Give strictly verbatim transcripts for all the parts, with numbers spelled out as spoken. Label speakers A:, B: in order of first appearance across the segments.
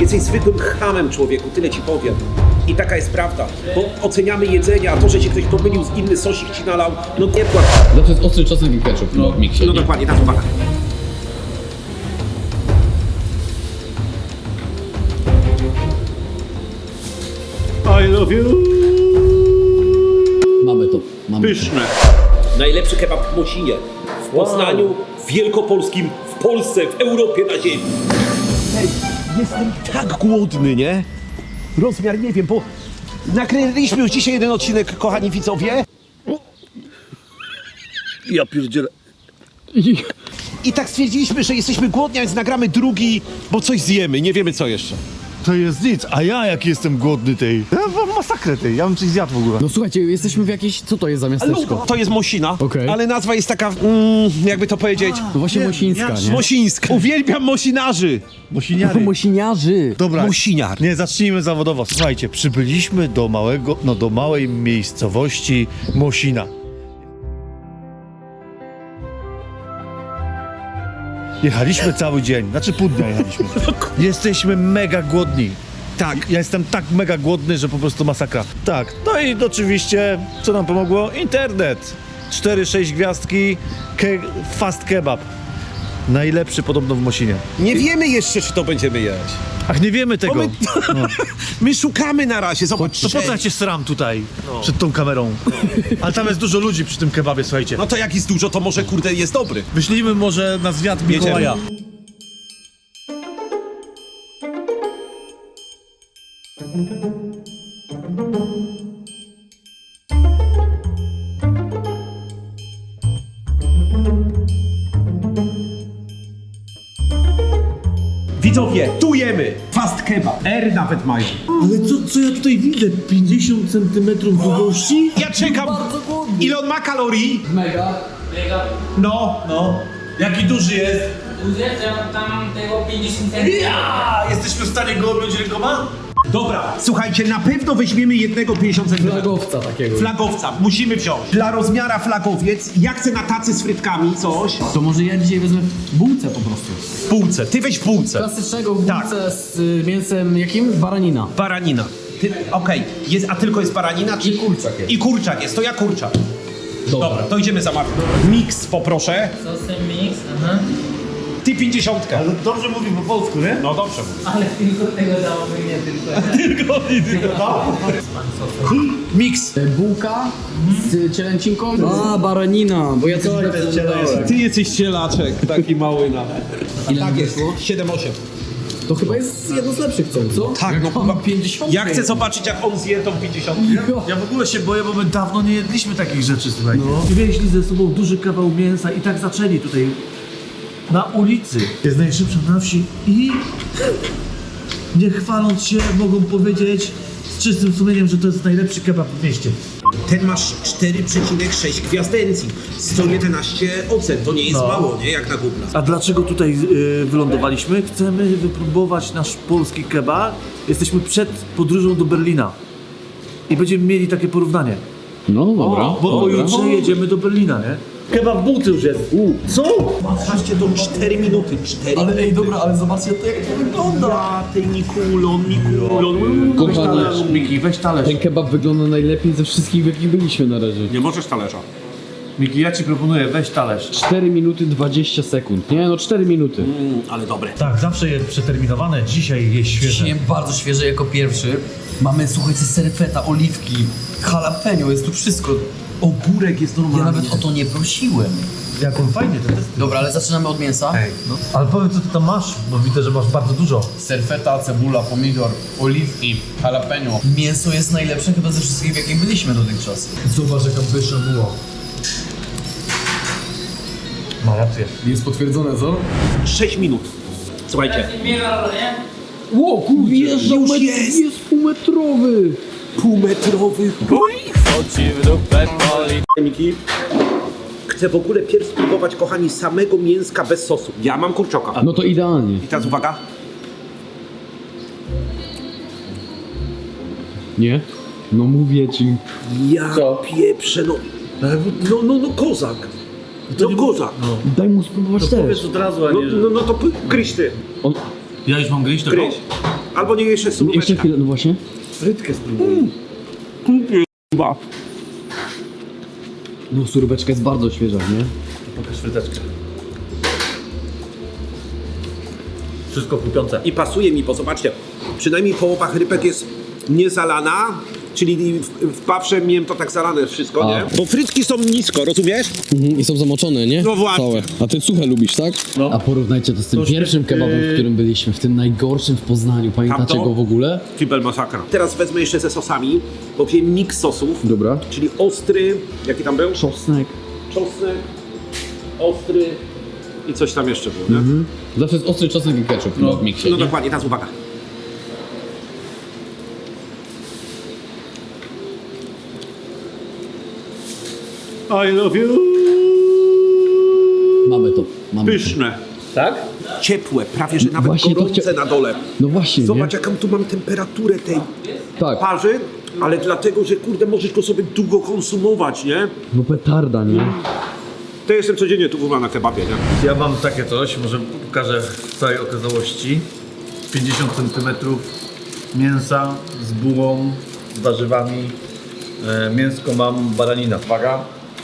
A: jesteś zwykłym chamem, człowieku, tyle ci powiem. I taka jest prawda, bo oceniamy jedzenie, a to, że się ktoś pomylił z inny sosik ci nalał, no nie płacz.
B: Zawsze jest ostry czosnek i ketchup no, w miksie.
A: No
B: nie?
A: dokładnie, tak, uwaga. I love you.
B: Mamy to. Mamy
A: Pyszne. Najlepszy kebab w Mosinie, w Poznaniu, w Wielkopolskim, w Polsce, w Europie, na ziemi. Ej, jestem tak głodny, nie? Rozmiar nie wiem, bo nakręciliśmy już dzisiaj jeden odcinek, kochani widzowie.
C: Ja pierdzielę.
B: I...
A: I tak stwierdziliśmy, że jesteśmy głodni, a więc nagramy drugi, bo coś zjemy, nie wiemy co jeszcze.
C: To jest nic, a ja jak jestem głodny tej. Ja mam masakrę tej, ja bym coś zjadł w ogóle.
B: No słuchajcie, jesteśmy w jakiejś... Co to jest za miasteczko?
A: To jest Mosina,
B: Okej.
A: ale nazwa jest taka, mm, jakby to powiedzieć,
B: No właśnie
C: Nie,
B: Mosińska,
C: ja-
B: nie?
A: Mosińska. Uwielbiam Mosinarzy.
C: Mosiniary.
B: Mosiniarzy.
C: Dobra,
A: Mosiniar.
C: nie, zacznijmy zawodowo. Słuchajcie, przybyliśmy do małego, no do małej miejscowości Mosina. Jechaliśmy cały dzień, znaczy pół dnia jechaliśmy. Jesteśmy mega głodni.
A: Tak.
C: Ja jestem tak mega głodny, że po prostu masakra. Tak, no i oczywiście, co nam pomogło? Internet. cztery sześć gwiazdki, ke fast kebab. Najlepszy podobno w Mosinie.
A: Nie wiemy jeszcze, czy to będziemy jeść.
C: Ach, nie wiemy tego.
A: Bo my, my szukamy na razie, zobacz.
C: To po co ja cię sram tutaj, przed tą kamerą? Ale tam jest dużo ludzi przy tym kebabie, słuchajcie.
A: No to jak jest dużo, to może kurde jest dobry.
C: Wyślijmy może na zwiat
A: Jedziemy.
C: Mikołaja.
A: Widzowie, tu jemy! Fast kebab. R nawet mają.
C: Ale co, co ja tutaj widzę? pięćdziesiąt centymetrów długości?
A: Ja czekam. Ile on ma kalorii?
B: Mega.
A: No.
C: No. Jaki duży jest?
D: Duże, to tam tego pięćdziesiąt centymetrów.
C: Ja! Jesteśmy w stanie go objąć rękoma?
A: Dobra, słuchajcie, na pewno weźmiemy jednego pięćdziesiąt centymetrów.
B: Flagowca takiego.
A: Flagowca, musimy wziąć. Dla rozmiara flagowiec, ja chcę na tacy z frytkami coś.
B: To może ja dzisiaj wezmę w bułce po prostu.
A: W półce, ty weź w półce.
B: Klasycznego w
A: Tak.
B: bułce z y, mięsem jakim? Baranina.
A: Baranina. Ty, okej, jest, a tylko jest baranina? Czy...
B: I kurczak jest.
A: I kurczak jest, to ja kurczak.
B: Dobra.
A: Dobra, to idziemy zamawiać. Mix poproszę.
D: Sosy mix, aha.
A: Ty pięćdziesiątkę.
C: Ale dobrze mówi po polsku, nie?
A: No dobrze.
D: Ale tylko tego damy, nie tylko.
A: Mix.
B: Y, Bułka z cielęcinką. A, baranina, bo ja coś
A: Ty jesteś cielaczek, taki mały nawet.
B: Ile
A: Tak
B: nam
A: jest,
B: wyszło?
A: siedem osiem.
B: To chyba jest jedno z lepszych cen, co?
A: Tak, no
B: chyba pięćdziesiąt.
A: Ja chcę zobaczyć, jak on zje tą pięćdziesiątkę.
C: Ja w ogóle się boję, bo my dawno nie jedliśmy takich rzeczy, słuchajcie. I wieźli ze sobą duży kawał mięsa i tak zaczęli tutaj na ulicy. Jest najszybsza na wsi i nie chwaląc się mogą powiedzieć z czystym sumieniem, że to jest najlepszy kebab w mieście.
A: Ten masz cztery przecinek sześć gwiazdencji. sto jedenaście ocen, to nie jest
C: No.
A: mało, nie? Jak na Google.
C: A dlaczego tutaj y, wylądowaliśmy? Chcemy wypróbować nasz polski kebab. Jesteśmy przed podróżą do Berlina. I będziemy mieli takie porównanie.
B: No dobra.
C: Bo
B: dobra.
C: pojutrze jedziemy do Berlina, nie? Kebab w bułce już jest. U. Co?
A: Patrzcie, to cztery minuty, cztery
B: Ale ej, dobra, ale zobaczcie to jak to wygląda.
A: Ja, ten Nikulon, Nikulon.
B: Kochani,
C: Miki, weź talerz.
B: ten kebab wygląda najlepiej ze wszystkich, w jakich byliśmy na razie.
A: Nie możesz talerza.
C: Miki, ja ci proponuję, weź talerz.
B: cztery minuty dwadzieścia sekund. Nie, no cztery minuty.
A: Mm, ale dobre.
C: Tak, zawsze jest przeterminowane, dzisiaj jest świeże.
E: Dzisiaj bardzo świeże jako pierwszy. Mamy, słuchajcie, serfeta, oliwki, jalapeno, jest tu wszystko.
A: Ogórek jest
E: Ja
A: normalny.
E: nawet o to nie prosiłem.
C: Jak on fajnie to jest.
E: Dobra, ale zaczynamy od mięsa.
C: No. Ale powiedz, co ty tam masz, bo widzę, że masz bardzo dużo.
E: Serfeta, cebula, pomidor, oliwki, jalapeno. Mięso jest najlepsze chyba ze wszystkich, w jakich byliśmy dotychczas.
B: Zobacz jaka pyszna była.
C: Ma rację.
B: Jest potwierdzone, co?
A: sześć minut. Słuchajcie,
D: Mega, nie?
B: Ło, kurwa, wjeżdżał
A: Już
B: metr,
A: jest.
B: jest półmetrowy.
A: półmetrowy Miki. Chcę w ogóle pierw spróbować, kochani, samego mięska bez sosu. Ja mam kurczoka.
B: No to idealnie.
A: I teraz uwaga.
B: Nie? No mówię ci.
A: Ja pieprzę, no. No, no, no, kozak. No, kozak.
B: Daj mu spróbować też.
C: Powiedz od razu, a
A: No,
C: nie, że...
A: no, no to p- gryź ty.
B: On...
C: Ja już mam gryźć tego?
A: Gryź. Albo nie jeszcze
B: Jeszcze
A: suróweczka.
B: chwilę, no właśnie.
C: Frytkę spróbuj.
B: No suróweczka jest bardzo świeża, nie?
C: Pokaż fryteczkę. Wszystko chrupiące.
A: I pasuje mi, bo zobaczcie, przynajmniej połowa chrypek jest niezalana, czyli w, w pawsze miałem to tak zalane wszystko,
B: A.
A: nie? Bo frytki są nisko, rozumiesz?
B: Mhm, i są zamoczone, nie?
A: No właśnie.
B: Całe. A ty suche lubisz, tak?
C: No.
B: A porównajcie to z tym
C: To
B: pierwszym
C: świe-
B: kebabem, w
C: yy.
B: którym byliśmy, w tym najgorszym w Poznaniu. Pamiętacie
A: Tamto?
B: go w ogóle?
A: Kibel masakra. Teraz wezmę jeszcze ze sosami, bo wziąłem miks sosów,
B: Dobra.
A: czyli ostry, jaki tam był?
B: Czosnek.
A: Czosnek, ostry i coś tam jeszcze było, nie?
B: Mhm. Zawsze jest ostry czosnek i ketchup no, w miksie,
A: No
B: nie?
A: dokładnie, teraz uwaga. I love you.
B: Mamy to. Mamy to.
A: Pyszne.
C: Tak?
A: Ciepłe, prawie że nawet
B: Właśnie to
A: gorące
B: chcia-
A: na dole.
B: No właśnie,
A: Zobacz
B: nie?
A: jaką tu mam temperaturę tej
B: Tak.
A: parzy, ale dlatego, że kurde możesz go sobie długo konsumować, nie?
B: No petarda, nie?
A: To jestem codziennie tu chyba na kebabie, nie?
C: Ja mam takie coś, może pokażę w całej okazałości. pięćdziesiąt centymetrów mięsa z bułą, z warzywami. E, mięsko mam baranina. Uwaga.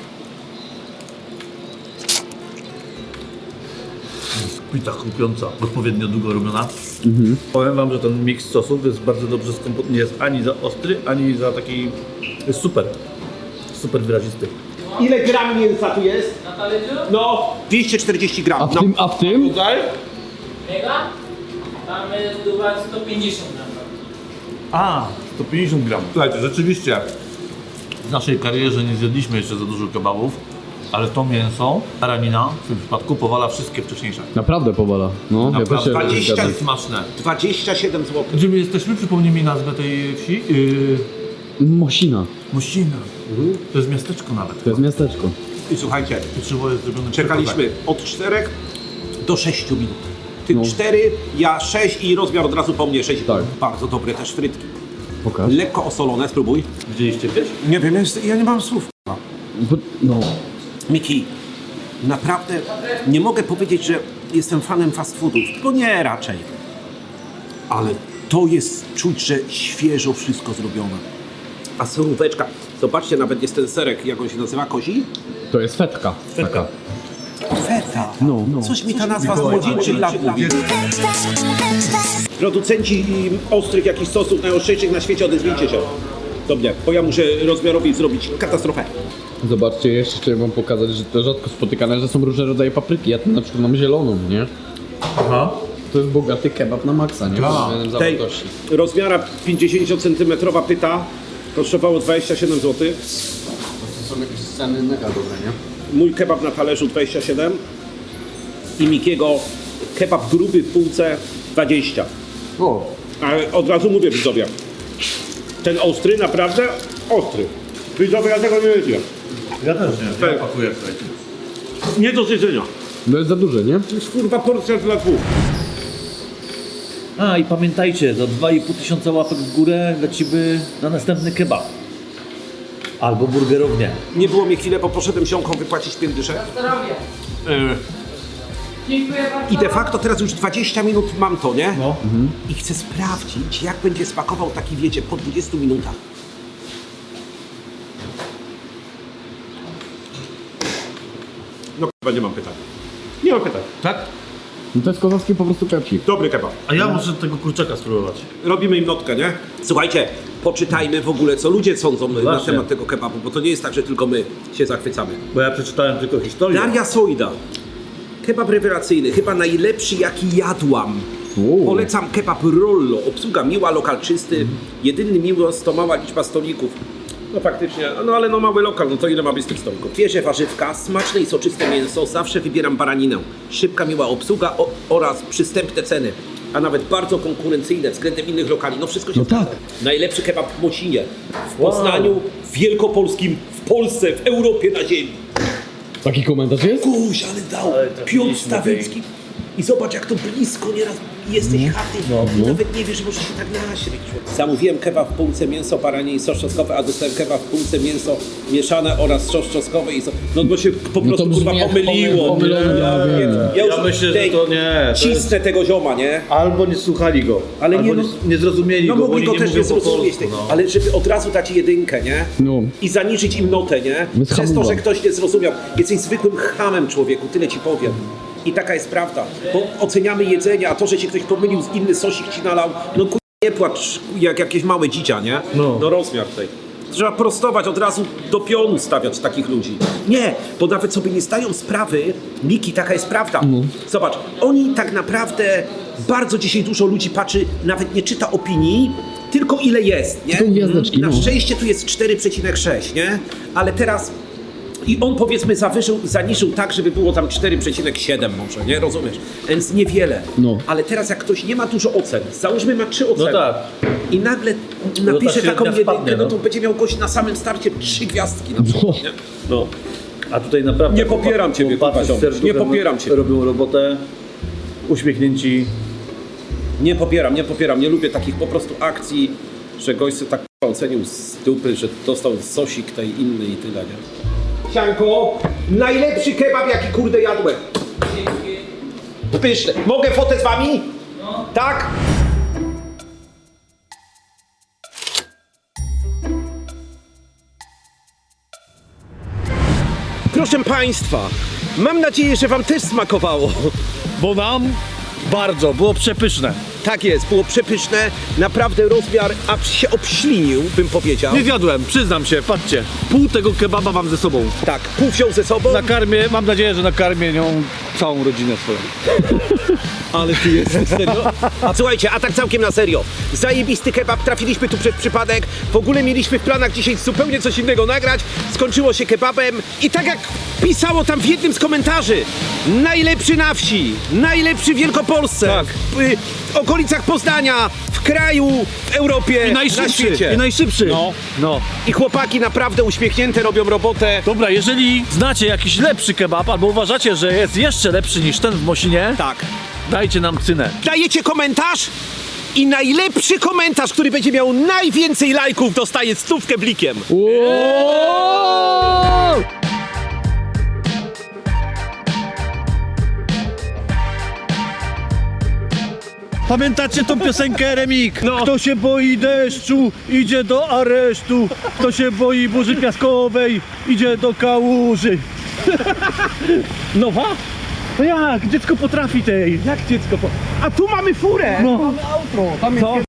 C: Pita chrupiąca, odpowiednio długo robiona. Powiem wam, że ten miks sosów jest bardzo dobrze skomponowany. Nie jest ani za ostry, ani za taki... Jest super. Super wyrazisty.
A: Ile gram mięsa tu jest?
D: Na talerzu?
A: No, dwieście czterdzieści gram.
B: A w
A: No.
B: tym, a w tym?
A: Tutaj?
D: Mega? Tam jest chyba sto pięćdziesiąt gram.
C: A, sto pięćdziesiąt gram. Słuchajcie, rzeczywiście w naszej karierze nie zjedliśmy jeszcze za dużo kebabów, ale to mięso, baranina w tym przypadku powala wszystkie wcześniejsze.
B: Naprawdę powala. No, ja też
C: Naprawdę
B: się
A: dwadzieścia
B: zgadzam.
C: jest smaczne.
A: dwadzieścia siedem złotych.
C: Gdzie my jesteśmy? Przypomnij mi nazwę tej wsi. Yy,
B: Mosina.
C: Mościna. To jest miasteczko nawet.
B: To jest miasteczko.
A: I słuchajcie,
C: Pieczywo jest zrobione
A: czekaliśmy od czterech do sześciu minut. Ty
B: No.
A: cztery, ja sześć i rozmiar od razu po mnie sześć.
B: Tak.
A: Bardzo dobre też frytki.
B: Pokaż.
A: Lekko osolone, spróbuj.
C: Widzieliście kiedyś?
A: Nie wiem, jest, ja nie mam słów.
B: Bo- No.
A: Miki, naprawdę nie mogę powiedzieć, że jestem fanem fast foodów, bo nie raczej. Ale to jest czuć, że świeżo wszystko zrobione. A suróweczka, zobaczcie, nawet jest ten serek, jak on się nazywa, kozi?
B: To jest fetka. Taka.
A: Feta.
B: No, no.
A: Coś mi ta nazwa z młodzieńczych lat mówi. Producenci i ostrych jakichś sosów najostrzejszych na świecie, odezwijcie się do mnie, bo ja muszę rozmiarowi zrobić katastrofę.
B: Zobaczcie, jeszcze chciałem wam pokazać, że to rzadko spotykane, że są różne rodzaje papryki. Ja tu na przykład mam zieloną, nie?
C: Aha.
B: To jest bogaty kebab na maksa, nie? Pod względem
A: Tej
B: zawartości.
A: rozmiara pięćdziesięciocentymetrowa pyta kosztowało dwadzieścia siedem złotych.
B: To są jakieś sceny mega dobre, nie?
A: Mój kebab na talerzu dwadzieścia siedem i Mikiego kebab gruby w półce dwadzieścia.
B: O,
A: Ale od razu mówię widzowie, ten ostry naprawdę ostry. Widzowie, ja tego nie wiedziałem.
C: Ja też nie.
A: Tak.
C: Ja pakuję, słuchajcie.
A: Nie do zjedzenia.
B: no jest za duże, nie?
A: To jest kurwa porcja dla dwóch.
C: A i pamiętajcie, za dwa i pół tysiąca łapek w górę lecimy na następny kebab. Albo burgerownię.
A: Nie było mi chwilę, bo poszedłem ziomką wypłacić piędyszę.
D: Zdrowie. Dziękuję bardzo.
A: I de facto teraz już dwadzieścia minut mam to, nie?
C: No.
A: I chcę sprawdzić, jak będzie smakował taki, wiecie, po dwudziestu minutach. No chyba nie mam pytań. Nie mam pytań.
C: Tak?
B: No to jest kozacki po prostu kepsik.
A: Dobry kebab.
C: A ja muszę tego kurczaka spróbować.
A: Robimy im notkę, nie? Słuchajcie, poczytajmy w ogóle, co ludzie sądzą na
C: Właśnie.
A: temat tego kebabu, bo to nie jest tak, że tylko my się zachwycamy.
C: Bo ja przeczytałem tylko historię.
A: Daria Sojda. Kebab rewelacyjny, chyba najlepszy jaki jadłam.
B: Uuu.
A: Polecam kebab Rollo. Obsługa miła, lokal czysty. Jedyny miłość to mała liczba stolików. No faktycznie, no ale no mały lokal, no to ile ma być tych stolików? Świeże warzywka, smaczne i soczyste mięso, zawsze wybieram baraninę. Szybka, miła obsługa o, oraz przystępne ceny. A nawet bardzo konkurencyjne względem innych lokali. No wszystko się
B: No
A: zgadza.
B: tak.
A: Najlepszy kebab w Mocinie, w Poznaniu, w Wielkopolskim, w Polsce, w Europie, na ziemi.
B: Taki komentarz jest?
A: Kuś, ale dał.
C: Ale
A: Piotr
C: trafiliśmy
A: Stawicki. I zobacz, jak to blisko nieraz jesteś chaty. I nawet nie wiesz, że możesz się tak naśryć. Zamówiłem kebab w półce mięso baranie i sos czosnkowy, a dostałem kebab w półce mięso mieszane oraz sos czosnkowy i sos... No bo się po prostu
B: brzmi
A: kurwa
B: jak
A: pomyliło.
B: pomylone, ja
A: Ja,
B: wiem.
A: ja już
C: Ja myślę, że
A: tej-
C: to nie, to
A: Cisnę tego zioma, nie?
C: Albo nie słuchali go,
A: Ale
C: albo
A: nie,
C: nie,
A: no-
C: nie zrozumieli
A: No
C: go, bo
A: mogli
C: oni
A: go
C: nie
A: też nie
C: mówią po
A: zrozumieć,
C: polsku,
A: tej-
C: no.
A: ale żeby od razu dać jedynkę, nie?
B: No.
A: I zaniżyć im notę, nie?
B: Bez
A: Przez to,
B: hamuwa.
A: że ktoś nie zrozumiał. Jesteś zwykłym chamem, człowieku, tyle ci powiem. I taka jest prawda. Bo oceniamy jedzenie, a to, że się ktoś pomylił z inny sosik ci nalał, no ku... nie płacz jak jakieś małe dzicia, nie?
C: No.
A: no rozmiar tej. Trzeba prostować, od razu do pionu stawiać takich ludzi. Nie, bo nawet sobie nie zdają sprawy, Miki, taka jest prawda. Zobacz, oni tak naprawdę, bardzo dzisiaj dużo ludzi patrzy, nawet nie czyta opinii, tylko ile jest, nie?
B: Tylko gwiazdeczki,
A: Na
B: no.
A: szczęście tu jest cztery przecinek sześć, nie? Ale teraz... I on powiedzmy zawyżył, zaniżył tak, żeby było tam cztery przecinek siedem może, nie? Rozumiesz? Więc niewiele.
B: No.
A: Ale teraz jak ktoś nie ma dużo ocen, załóżmy ma trzy oceny.
C: No tak.
A: I nagle
C: ta
A: napisze
C: średnia
A: taką jedynkę,
C: spadnie,
A: no
C: no.
A: to będzie miał gość na samym starcie trzy gwiazdki na przykład, nie? No.
C: A tutaj naprawdę
A: Nie popieram ciebie,
C: chłopacy
A: kurwa,
C: z
A: ziom.
C: serduchem
A: Nie popieram cię.
C: robią robotę, uśmiechnięci.
A: Nie popieram, nie popieram, nie lubię takich po prostu akcji, że gość sobie tak ocenił z dupy, że dostał sosik tej inny i tyle, nie? Sianko, najlepszy kebab jaki kurde jadłem. Pyszne. Mogę fotę z wami? No. Tak? Proszę państwa, mam nadzieję, że wam też smakowało.
C: Bo nam bardzo, było przepyszne.
A: Tak jest, było przepyszne, naprawdę rozmiar aż się obślinił, bym powiedział.
C: Nie zjadłem, przyznam się, patrzcie. Pół tego kebaba mam ze sobą.
A: Tak, pół wziął ze sobą.
C: Nakarmię, mam nadzieję, że nakarmię nią całą rodzinę swoją.
A: Ale ty jesteś serio? A słuchajcie, a tak całkiem na serio. Zajebisty kebab, trafiliśmy tu przez przypadek. W ogóle mieliśmy w planach dzisiaj zupełnie coś innego nagrać. Skończyło się kebabem. I tak jak pisało tam w jednym z komentarzy, najlepszy na wsi, najlepszy w Wielkopolsce,
C: Tak.
A: w, y, w okolicach Poznania, w kraju, w Europie,
C: I
A: na
C: najszybszy,
A: świecie.
C: i najszybszy.
A: No.
C: no.
A: I chłopaki naprawdę uśmiechnięte robią robotę.
C: Dobra, jeżeli znacie jakiś lepszy kebab, albo uważacie, że jest jeszcze lepszy niż ten w Mosinie,
A: Tak.
C: dajcie nam cynę.
A: Dajecie komentarz i najlepszy komentarz, który będzie miał najwięcej lajków, dostaje stówkę blikiem.
C: Pamiętacie tą piosenkę Remik? No. Kto się boi deszczu, idzie do aresztu. Kto się boi burzy piaskowej, idzie do kałuży. Nowa? No jak? Dziecko potrafi tej. Jak dziecko po...
A: A tu mamy furę.
C: No.
B: Tam jest
C: Co?